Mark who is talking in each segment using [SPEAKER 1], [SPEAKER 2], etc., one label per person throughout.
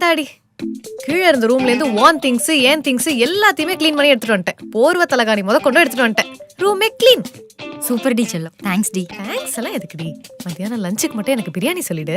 [SPEAKER 1] இந்தாடி கீழே இருந்த ரூம்ல இருந்து ஒன் திங்ஸ் ஏன் திங்ஸ் எல்லாத்தையுமே க்ளீன் பண்ணி எடுத்துட்டு வந்துட்டேன். போர்வ தலகாணி கொண்டு எடுத்துட்டு வந்துட்டேன். ரூமே க்ளீன்.
[SPEAKER 2] சூப்பர் டி செல்லம். தேங்க்ஸ் டி.
[SPEAKER 1] தேங்க்ஸ் எல்லாம் எதுக்குடி? மத்தியானம் லஞ்சுக்கு மட்டும் எனக்கு பிரியாணி சொல்லிடு.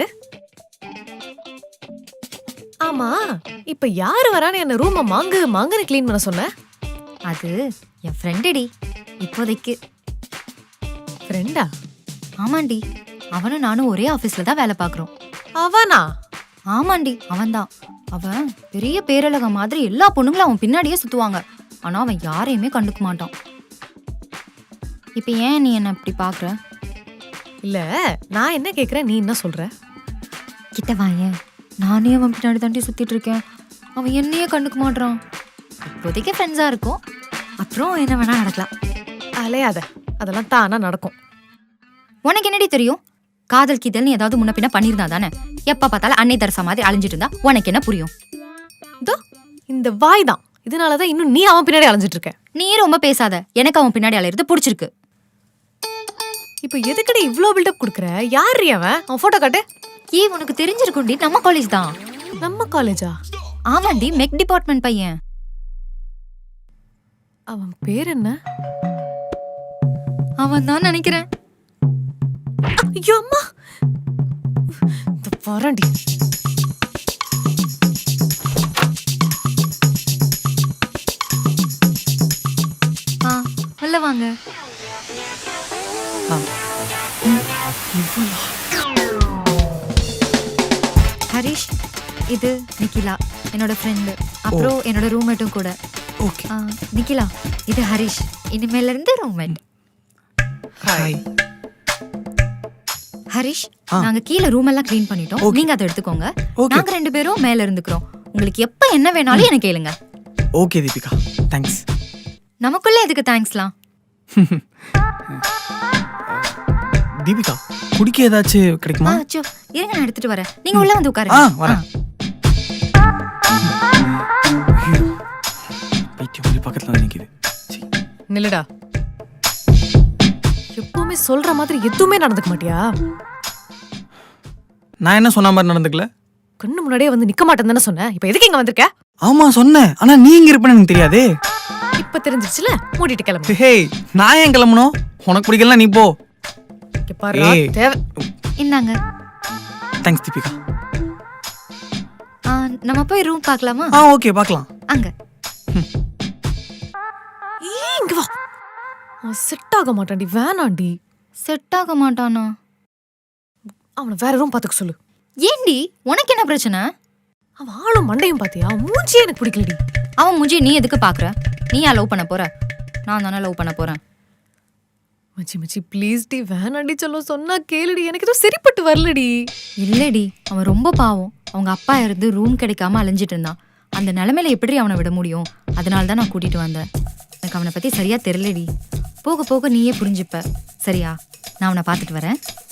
[SPEAKER 1] ஆமா, இப்ப யாரு வரான்னு என்ன ரூமை மாங்குன்னு க்ளீன் பண்ண சொன்ன?
[SPEAKER 2] அது என் ஃப்ரெண்டு டி. இப்போதைக்கு
[SPEAKER 1] ஃப்ரெண்டா?
[SPEAKER 2] ஆமாண்டி, அவனும் நானும் ஒரே ஆபீஸ்ல தான் வேலை பாக்குறோம்.
[SPEAKER 1] அவனா?
[SPEAKER 2] ஆமாண்டி, அவன்தான். அவன் பெரிய பேரழக மாதிரி எல்லா பொண்ணுங்களும் அவன் பின்னாடியே சுத்துவாங்க. ஆனா அவன் யாரையுமே கண்டுக்க மாட்டான். இப்ப ஏன் நீ என்ன இப்படி பாக்குற?
[SPEAKER 1] இல்ல, நான் என்ன கேக்குறேன், நீ என்ன சொல்ற?
[SPEAKER 2] கிட்ட வாயேன். நானே அவன் பின்னாடி தாண்டி சுத்திட்டு இருக்கேன். அவன் என்னையே கண்டுக்க மாட்டான். இப்போதைக்கு ஃப்ரெண்ட்ஸா இருக்கும், அப்புறம் என்ன வேணா நடக்கலாம்.
[SPEAKER 1] அலையாத, அதெல்லாம் தானா நடக்கும்.
[SPEAKER 2] உனக்கு என்னடி தெரியும்? காதல் கீதல் நீ ஏதாவது முன்ன பின்ன பண்ணிருந்தா தானே. எப்ப பார்த்தாலும் அன்னை தரசா மாதிரி அலைஞ்சிட்டு இருந்தா உனக்கு என்ன புரியும்?
[SPEAKER 1] இந்த வாய் தான், இதனாலதான் இன்னும் நீ அவன் பின்னாடி அலைஞ்சிட்டு இருக்க.
[SPEAKER 2] நீ ரொம்ப பேசாத, எனக்கு அவன் பின்னாடி அலையிறது பிடிச்சிருக்கு.
[SPEAKER 1] இப்ப எதுக்கடி இவ்ளோ பில்டப் குடுக்குற? யாரு அவன்? அவன் போட்டோ காட்டு.
[SPEAKER 2] உனக்கு தெரிஞ்சிருக்கும்டி, நம்ம காலேஜ் தான்.
[SPEAKER 1] நம்ம காலேஜா?
[SPEAKER 2] ஆமாண்டி, மெக் டிபார்ட்மெண்ட் பையன்.
[SPEAKER 1] அவன் பேர் என்ன?
[SPEAKER 2] அவன் தான் நினைக்கிறேன்.
[SPEAKER 1] ஐயோ அம்மா, வரண்டி.
[SPEAKER 2] உள்ள வாங்க. ஹரிஷ், இது நிக்கிலா, என்னோட ஃப்ரெண்டு. அப்புறம் என்னோட ரூம்மேட்டும் கூட. நிக்கிலா, இது ஹரிஷ், இனிமேல இருந்து ரூம்மேட்.
[SPEAKER 1] ஹாய்.
[SPEAKER 2] ஹரிஷ், நாங்க கீழ ரூம் எல்லாம் க்ளீன் பண்ணிட்டோம். நீங்க அதை எடுத்துக்கோங்க. நாங்க ரெண்டு பேரும் மேல இருந்துக்கிறோம். உங்களுக்கு எப்ப என்ன வேணாலும் எனக்கு கேளுங்க.
[SPEAKER 3] Okay Deepika, thanks.
[SPEAKER 2] நமக்குள்ள எதுக்கு தேங்க்ஸ்லாம்?
[SPEAKER 3] தீபிகா, குடிக்க ஏதாச்சும் கிடைக்குமா?
[SPEAKER 2] அச்சோ, இருங்க, நான் எடுத்துட்டு வரேன். நீங்க உள்ள வந்து உட்காருங்க.
[SPEAKER 3] வரேன். பைத்தியம் பக்கத்துல வந்து நிக்குது.
[SPEAKER 1] நில்லுடா. எப்பவுமே சொல்ற மாதிரி எதுவுமே நடந்துக்க மாட்டியா?
[SPEAKER 3] நான் என்ன சொன்ன மாதிரி நடந்துக்கல.
[SPEAKER 1] கண்ணு முன்னாடியே வந்து நிக்க மாட்டேன்னு தானே சொன்னேன். இப்ப எதுக்கு இங்க வந்திருக்க?
[SPEAKER 3] ஆமா சொன்னேன், ஆனா நீ இங்க இருப்பேன்னு எனக்கு தெரியாதே.
[SPEAKER 1] இப்ப தெரிஞ்சிருச்சுல, மூடிட்டு கிளம்பு.
[SPEAKER 3] ஹே, நான் ஏன் கிளம்பணும்? உனக்கு பிடிக்கல, நீ போ.
[SPEAKER 2] இந்தாங்க.
[SPEAKER 3] தேங்க்ஸ் தீபிகா.
[SPEAKER 2] நம்ம போய் ரூம் பார்க்கலாமா?
[SPEAKER 3] ஓகே, பார்க்கலாம்.
[SPEAKER 2] அங்க.
[SPEAKER 1] இங்க வா. செட் ஆக மாட்டான்டி, வேணாண்டி.
[SPEAKER 2] செட் ஆக மாட்டானா?
[SPEAKER 1] அவனை வேற ரூம் பாத்துக்க சொல்லு.
[SPEAKER 2] ஏண்டி, உனக்கு என்ன பிரச்சனை?
[SPEAKER 1] அவன் ஆளும் மண்டையும் பாத்தியா? மூஞ்சியே எனக்கு பிடிக்கலடி.
[SPEAKER 2] அவன் மூஞ்சி நீ எதுக்கு பாக்குற? நீ யா லவ் பண்ண போற? நான் தானே லவ் பண்ண போறேன்.
[SPEAKER 1] மச்சி ப்ளீஸ் டி, வேணாண்டி. சொன்னா கேளுடி, எனக்கு எதுவும் சரிப்பட்டு வரலடி.
[SPEAKER 2] இல்லடி, அவன் ரொம்ப பாவம். அவங்க அப்பா இருந்து ரூம் கிடைக்காம அலைஞ்சிட்டு இருந்தான். அந்த நிலைமையில எப்படி அவனை விட முடியும்? அதனால தான் நான் கூட்டிட்டு வந்தேன். எனக்கு அவனை பத்தி சரியா தெரியலடி. போக போக நீயே புரிஞ்சுப்ப. சரியா? நான் அவனை பார்த்துட்டு வரேன்.